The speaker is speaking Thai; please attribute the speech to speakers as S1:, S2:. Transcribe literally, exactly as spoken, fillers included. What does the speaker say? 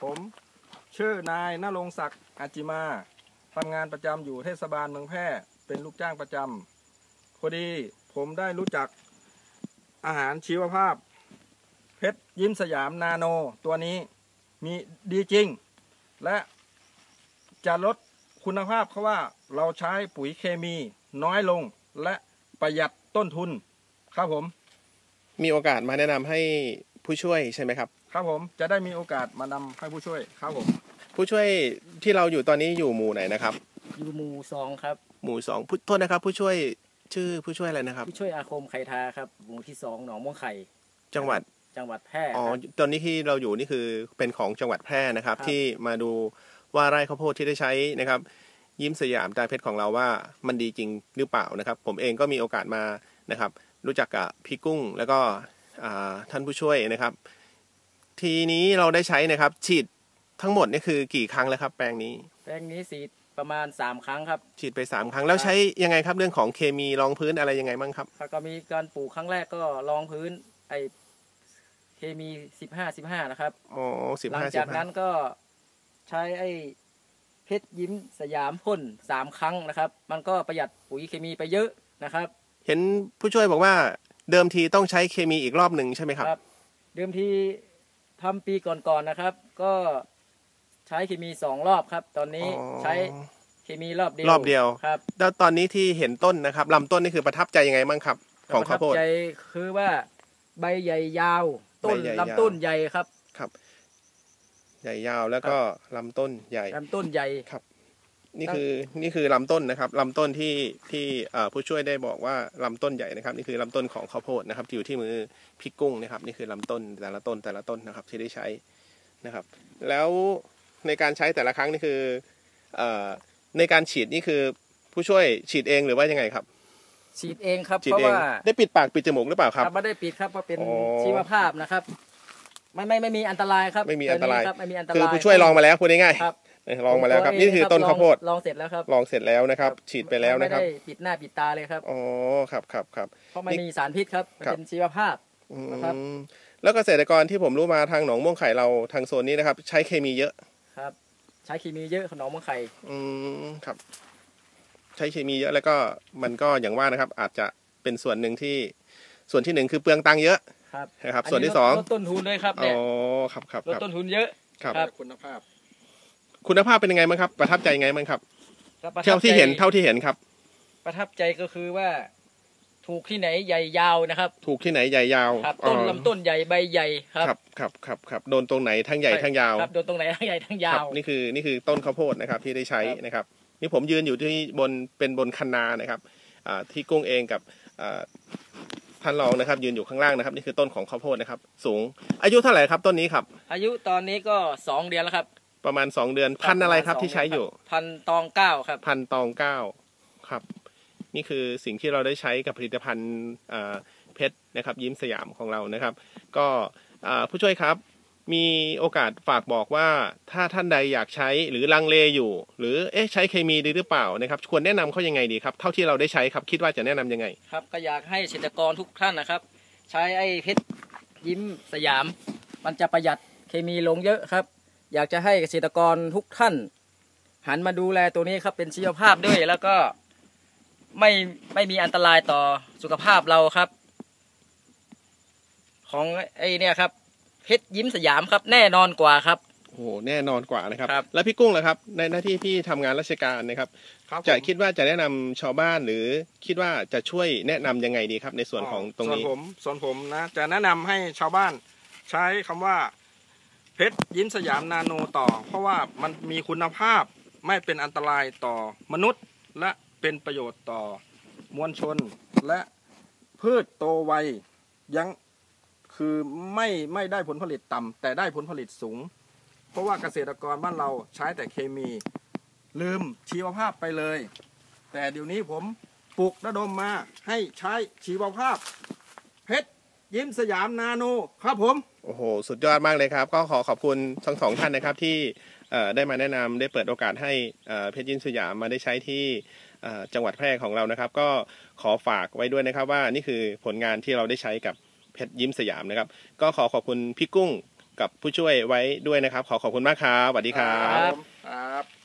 S1: ผมชื่อนายณรงค์ศักดิ์อาจิมาทำงานประจำอยู่เทศบาลเมืองแพร่เป็นลูกจ้างประจำพอดีผมได้รู้จักอาหารชีวภาพเพชรยิ้มสยามนาโนตัวนี้มีดีจริงและจะลดคุณภาพเพราะว่าเราใช้ปุ๋ยเคมีน้อยลงและประหยัดต้นทุนครับผม
S2: มีโอกาสมาแนะนำให้ผู้ช่วยใช่ไหมครับ
S1: ครับผมจะได้มีโอกาสมานำให้ผู้ช่วยครับผม
S2: ผู้ช่วยที่เราอยู่ตอนนี้อยู่หมู่ไหนนะครับ
S3: อยู่หมู่สองครับ
S2: หมู่สองโทษนะครับผู้ช่วยชื่อผู้ช่วยอะไรนะครับ
S3: ผู้ช่วยอาคมไข่ทาครับหมู่ที่สองหนองม่วงไข่
S2: จังหวัด
S3: จังหวัดแพร่
S2: อ๋อตอนนี้ที่เราอยู่นี่คือเป็นของจังหวัดแพร่นะครับที่มาดูว่าไร่ข้าวโพดที่ได้ใช้นะครับยิ้มสยามตาเพชรของเราว่ามันดีจริงหรือเปล่านะครับผมเองก็มีโอกาสมานะครับรู้จักกับพี่กุ้งแล้วก็ท่านผู้ช่วยนะครับทีนี้เราได้ใช้นะครับฉีดทั้งหมดนี่คือกี่ครั้งแล้วครับแปลงนี้
S3: แปลงนี้ฉีดประมาณสามครั้งครับ
S2: ฉีดไปสามครั้งแล้วใช้ยังไงครับเรื่องของเคมีรองพื้นอะไรยังไงบ้างครับ
S3: ก็มีการปลูกครั้งแรกก็รองพื้นไอเคมีสิบห้าสิบห้านะครับ
S2: อ๋อสิบห้า
S3: หลังจากนั้นก็ใช้ไอเพชรยิ้มสยามพ่นสามครั้งนะครับมันก็ประหยัดปุ๋ยเคมีไปเยอะนะครับ
S2: เห็นผู้ช่วยบอกว่าเดิมทีต้องใช้เคมีอีกรอบหนึ่งใช่ไหมครับ
S3: ครับเดิมทีทำปีก่อนๆนะครับก็ใช้เคมีสองรอบครับตอนนี้ใช้เคมีรอบเดียว
S2: รอบเดียว
S3: ครับ
S2: แล้วตอนนี้ที่เห็นต้นนะครับลำต้นนี่คือประทับใจยังไงบ้างครับของข้าวโพด
S3: ประทับใจคือว่าใบใหญ่ยาวต้นลำต้นใหญ่ครับ
S2: ครับใหญ่ยาวแล้วก็ลำต้นใหญ่
S3: ลำต้นใหญ่
S2: ครับนี่คือนี่คือลำต้นนะครับลำต้นที่ที่ผู้ช่วยได้บอกว่าลำต้นใหญ่นะครับนี่คือลำต้นของข้าวโพดนะครับอยู่ที่มือพี่กุ้งนะครับนี่คือลำต้นแต่ละต้นแต่ละต้นนะครับที่ได้ใช้นะครับแล้วในการใช้แต่ละครั้งนี่คือในการฉีดนี่คือผู้ช่วยฉีดเองหรือว่ายังไงครับ
S3: ฉีดเองครับเพราะว่า
S2: ได้ปิดปากปิดจมูกหรือเปล่าครับ
S3: ไม่ได้ปิดครับเพราะเป็นชีวภาพนะครับไม่ไม่ไม่มีอันตรายครับ
S2: ไม่มีอันตราย
S3: ไม่มีอันตราย
S2: คือผู้ช่วยลองมาแล้วพูดง่ายๆลองมาแล้วครับนี่คือต้นข้าวโพด
S3: ลองเสร็จแล้วครับ
S2: ลองเสร็จแล้วนะครับฉีดไปแล้วนะครับ
S3: ไม่ได้ปิดหน้าปิดตาเลยครับ
S2: อ๋อครับครับครับ
S3: เพราะไม่มีสารพิษครับเป็นชีวภาพนะครับ
S2: แล้วเกษตรกรที่ผมรู้มาทางหนองม่วงไข่เราทางโซนนี้นะครับใช้เคมีเยอะ
S3: ครับใช้เคมีเยอะของหนองม่วงไข่
S2: อืมครับใช้เคมีเยอะแล้วก็มันก็อย่างว่านะครับอาจจะเป็นส่วนหนึ่งที่ส่วนที่หนึ่งคือเปลืองตังค์เยอะ
S3: ครับ
S2: นะครับส่วนที่สอง
S3: ลดต้นทุนด้วยครับเนี่ย
S2: อ๋อครับครับ
S3: ลดต้นทุนเยอะ
S2: ครับ
S1: คุณภาพ
S2: คุณภาพเป็นยังไงบ้างครับประทับใจยังไงบ้างครับเท่าที่เห็นเท่าที่เห็นครับ
S3: ประทับใจก็คือว่าถูกที่ไหนใหญ่ยาวนะครับ
S2: ถูกที่ไหนใหญ่ยาว
S3: ครับต้นลำต้นใหญ่ใบใหญ่ครับ
S2: ครับครับครับครับโดนตรงไหนทั้งใหญ่ทั้งยาว
S3: ครับโดนตรงไหนทั้งใหญ่ทั้งยาว
S2: นี่คือนี่คือต้นข้าวโพดนะครับที่ได้ใช้นะครับนี่ผมยืนอยู่ที่บนเป็นบนคันนานะครับที่กุ้งเองกับท่านรองนะครับยืนอยู่ข้างล่างนะครับนี่คือต้นของข้าวโพดนะครับสูงอายุเท่าไหร่ครับต้นนี้ครับ
S3: อายุตอนนี้ก็สองเดือนแล้วครับ
S2: ประมาณสองเดือนพันอะไรครับที่ใช้อยู่
S3: พันตองเก้าครับ
S2: พันตองเก้าครับนี่คือสิ่งที่เราได้ใช้กับผลิตภัณฑ์เพชรนะครับยิ้มสยามของเรานะครับก็ผู้ช่วยครับมีโอกาสฝากบอกว่าถ้าท่านใดอยากใช้หรือลังเลอยู่หรือเอ๊ะใช้เคมีดีหรือเปล่านะครับควรแนะนำเขายังไงดีครับเท่าที่เราได้ใช้ครับคิดว่าจะแนะนํำยังไง
S3: ครับก็อยากให้เกษตรกรทุกท่านนะครับใช้ไอ้เพชรยิ้มสยามมันจะประหยัดเคมีลงเยอะครับอยากจะให้เกษตรกรทุกท่านหันมาดูแลตัวนี้ครับเป็นชีวภาพด้วยแล้วก็ไม่ไม่มีอันตรายต่อสุขภาพเราครับของไอ้เนี่ยครับเพชรยิ้มสยามครับแน่นอนกว่าครับ
S2: โอ้โหแน่นอนกว่านะครับแล้วพี่กุ้งล่ะครับในหน้าที่พี่ทำงานราชการนะครับจะคิดว่าจะแนะนำชาวบ้านหรือคิดว่าจะช่วยแนะนํำยังไงดีครับในส่วนของตรงนี้
S1: ส่วนผมส่วนผมนะจะแนะนำให้ชาวบ้านใช้คำว่าเพชรยิ้มสยามนาโนต่อเพราะว่ามันมีคุณภาพไม่เป็นอันตรายต่อมนุษย์และเป็นประโยชน์ต่อมวลชนและพืชโตไวยังคือไม่ไม่ได้ผลผลิตต่ำแต่ได้ผลผลิตสูงเพราะว่าเกษตรกรบ้านเราใช้แต่เคมีลืมชีวภาพไปเลยแต่เดี๋ยวนี้ผมปลุกระดมมาให้ใช้ชีวภาพเพชรยิ้มสยามนาโนครับผม
S2: โอ้โหสุดยอดมากเลยครับก็ขอขอบคุณทั้งสองท่านนะครับที่ได้มาแนะนำได้เปิดโอกาสให้เพชรยิ้มสยามมาได้ใช้ที่จังหวัดแพร่ของเรานะครับก็ขอฝากไว้ด้วยนะครับว่านี่คือผลงานที่เราได้ใช้กับเพชรยิ้มสยามนะครับก็ขอขอบคุณพี่กุ้งกับผู้ช่วยไว้ด้วยนะครับขอขอบคุณมากครับสวัสดีครับ
S1: ครับ